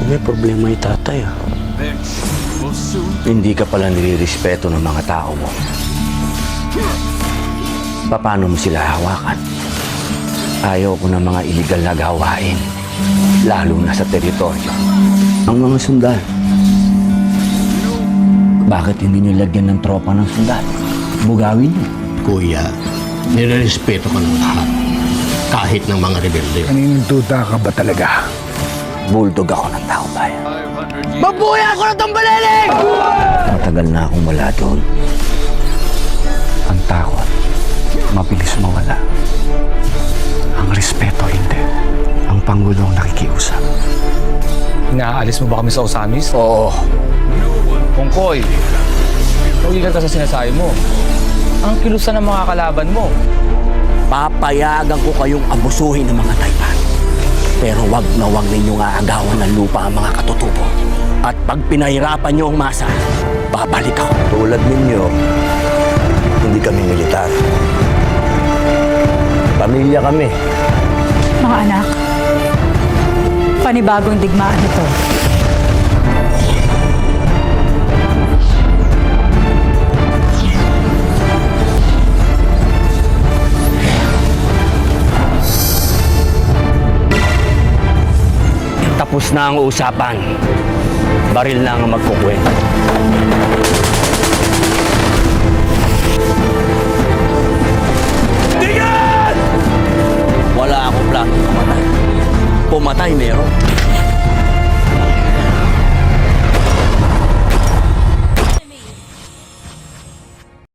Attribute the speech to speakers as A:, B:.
A: May problema yung tatay, ah.
B: Hindi ka pala nilirespeto ng mga tao mo. Paano mo sila hawakan? Ayaw ko ng mga iligal na gawain, lalo na sa teritoryo. Ang mga sundal. Bakit hindi niyo lagyan ng tropa ng sundal? Bugawin niyo.
C: Kuya, nirerespeto ko ng lahat. Kahit ng mga rebelde.
D: Kaninong duda ka ba talaga?
B: Bulldog ako ng tao bayan.
A: Mabuhay ako ng tambaleling!
B: Matagal na akong wala doon.
D: Ang takot, mabilis mawala. Ang respeto, hindi. Ang Pangulong nakikiusap.
E: Inaalis mo ba kami sa Osamis?
B: Oo.
E: Kungkoy, huwag ka sa sinasabi mo. Ang kilusan ng mga kalaban mo.
B: Papayagan ko kayong abusuhin ng mga Taypan. Pero wag na wag ninyong aagawan ng lupa ang mga katutubo. At pag pinahirapan niyo ang masa, babalik ako. Tulad ninyo, hindi kami militar. Pamilya kami.
F: Mga anak, panibagong digmaan ito.
B: Tapos na ang usapan. Baril na ang magkukwento. Tingnan! Wala akong plano pumatay. Pumatay meron.